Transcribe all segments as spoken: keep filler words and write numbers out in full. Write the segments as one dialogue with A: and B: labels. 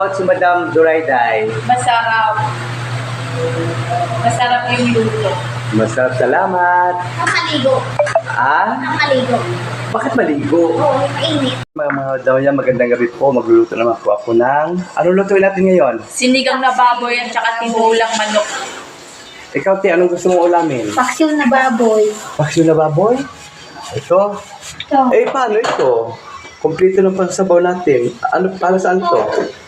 A: Si Madam Durayday.
B: Masarap. Masarap yung luto.
A: Masarap, salamat.
C: Nakaligo.
A: Ah?
C: Nakaligo.
A: Bakit maligo?
C: Oo, mainit.
A: Mga mga daw niya, magandang gabi po. Magluluto naman po ako ng... Anong lutuin natin ngayon?
B: Sinigang na baboy at saka tinulang manok.
A: Ikaw, Ti, anong gusto mong ulamin?
C: Paksiw na baboy.
A: Paksiw na baboy? Ito?
C: Ito.
A: Eh, paano ito? Kompleto ng pagsabaw natin. Ano, para saan to?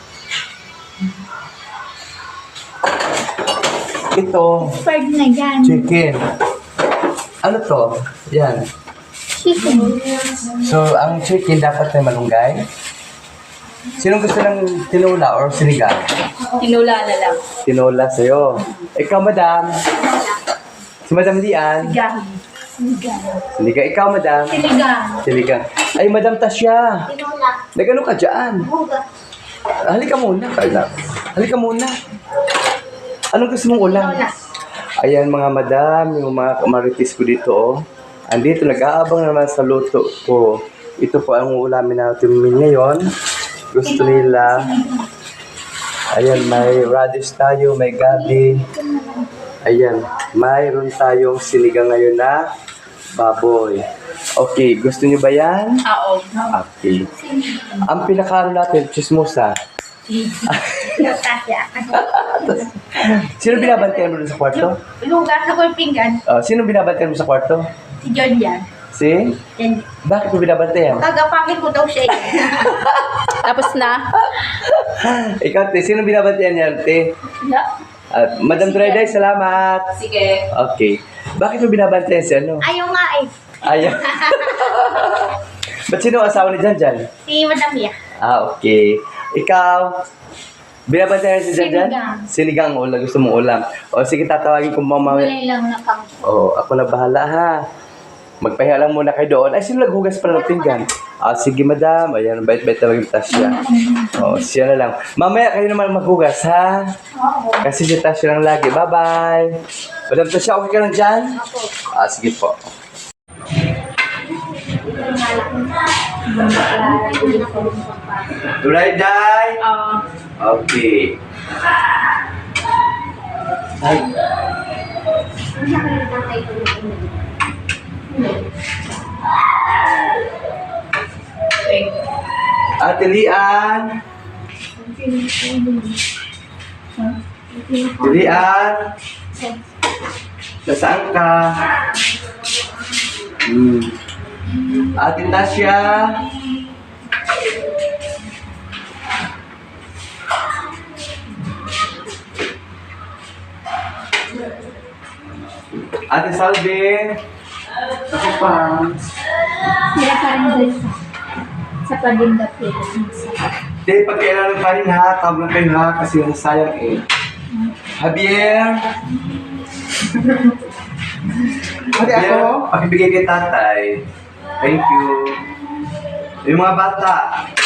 A: Ito,
C: Fried na yan.
A: chicken. Ano to? Yan.
C: Chicken.
A: So, ang chicken dapat may malunggay. Sinong gusto ng tinula or sinigang?
B: Tinula na lang.
A: Tinola sa'yo. Ikaw, madam. Si Madam Lian.
B: Sinigang.
C: Sinigang.
A: Sinigang. Ikaw, madam.
C: Sinigang.
A: Sinigang. Ay, Madam Tasya.
C: Tinola.
A: Nagano ka dyan?
C: Buga.
A: Halika muna, Carla. Halika muna. Anong gusto mong ulam?
C: Tinola.
A: Ayan, mga madam, yung mga kamaritis ko dito, oh. Andito, nag-aabang naman sa luto ko. Ito po ang ulamin natin ngayon. Gusto nila. Ayan, may radish tayo, may gabi. Ayan, mayroon tayong sinigang ngayon na baboy. Okay, gusto niyo ba yan?
B: Oo.
A: Okay. Ang pinakaano natin, chismosa.
C: Tasya.
A: Sino binabantayan mo dun sa kwarto?
C: Lugas ako yung pinggan.
A: Uh, sino binabantayan mo sa kwarto?
C: Si John yan.
A: Si?
C: Yan.
A: Bakit mo binabantayan?
C: Kagapangin ko daw siya.
B: Tapos na.
A: Ikaw, te, sino binabantayan yan, te?
C: Wala.
A: At Madam Durayday, salamat.
B: Sige.
A: Okay. Bakit mo binabantayan si ano?
C: Ayaw nga eh.
A: Ayaw. Ba't sino ang asawa ni Jan Jan?
C: Si Madam Mia.
A: Ah, okay. Ikaw, binabantayan si Jan Jan?
C: Sinigang.
A: Sinigang ulam. Gusto mong ulam. O sige, tatawagin ko mamaya.
C: Kulay lang na kang.
A: Oh, ako na bahala ha. Magpahinga lang muna kayo doon. Ay, sino naghugas pala ng pinggan? Ah, sige madam. Ayan, bait-bait talaga yung Tasya. Oh, siya na lang. Mamaya kayo naman maghugas ha.
C: Oo.
A: Kasi si Tasya lang lagi. Bye-bye. Madam Tasya, okay ka lang dyan? Ah, sige po. Durayday.
B: Oo.
A: Okay. Ay,
B: Okay.
A: Ate Lian. Lian. Nasaan ka? Hmm. Ate Tasya. Ate Salve. Ako pa.
C: Sila pa rin doon sa sa palinda Philippines.
A: Hindi, pag kailangan pa rin ha, tawag lang kayo ha, kasi nasayang eh. Javier. Ate ako? Pakibigay kay tatay. Thank you. Yung mga bata.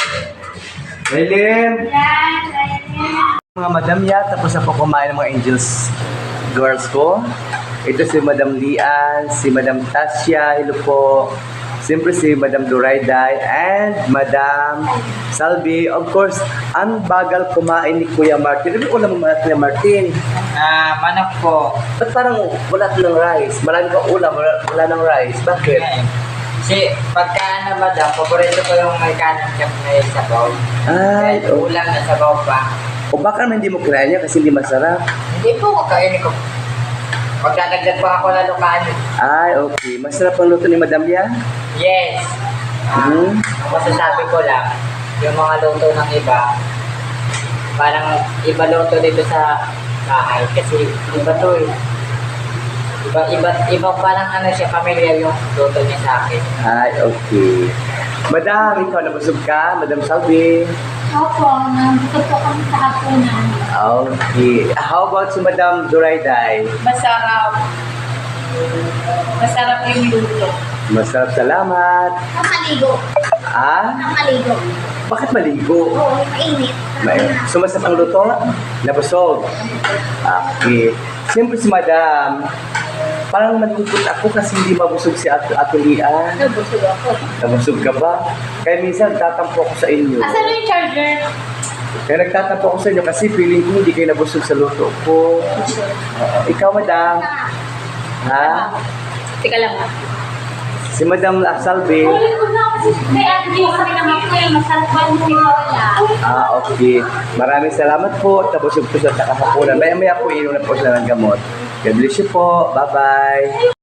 A: Raylin. Mga madam ya, tapos na po kumain ng mga angels girls ko. Ito si Madam Lian, si Madam Tasya, hello po. Siyempre si Madam Durayday and Madam Salvi. Of course, ang bagal kumain ni Kuya Martin. Ano ulam mo Kuya Martin?
D: Ah, manok po.
A: Ba't parang wala ng rice? Marami pa ulam, wala, wala ng rice. Bakit?
D: Kasi pagka ano madam, paborito ko yung may kanan kap na sabaw.
A: Ay,
D: Kahit
A: oh.
D: ulam na sabaw pa.
A: O baka naman hindi mo kinain niya kasi hindi masarap.
D: Hindi po ko kainin ko. Magdadagdag pa ako lalo kanin.
A: Ay, okay. Masarap ang luto ni Madam Lian?
D: Yes. Ah,
A: Hmm.
D: Ang masasabi ko lang, yung mga luto ng iba, parang iba luto dito sa bahay. Kasi iba to eh. Iba, iba, iba parang ano siya, familiar yung luto niya sa akin.
A: Ay, okay. Madam, ikaw nabusog ka? Madam Salvi?
C: Opo, nandito po kami sa hapunan.
A: Okay. How about si Madam Durayday?
B: Masarap. Masarap yung luto.
A: Masarap, salamat.
C: Nakaligo.
A: Ah?
C: Nakaligo.
A: Bakit maligo?
C: Oo, mainit.
A: May, sumasap ang luto? Nabusog? Okay. Siyempre si Madam, parang malungkot ako kasi hindi mabusog si Ato Ato Lian.
C: Nabusog ako.
A: Nabusog ka ba? Kaya minsan tatampo ako sa inyo.
C: Asan yung charger?
A: Kaya nagtatampo ako sa inyo kasi feeling ko hindi kayo nabusog sa luto ko. Oo. Ikaw, madam. Ha?
B: Teka lang.
A: Si Madam Salve.
C: May ano din kami naman po yung masarap ba yung wala.
A: Ah, okay. Maraming salamat po. Tapos yung pusat na kahaponan. Maya-maya po inom na po sila ng gamot. God bless you po. Bye-bye.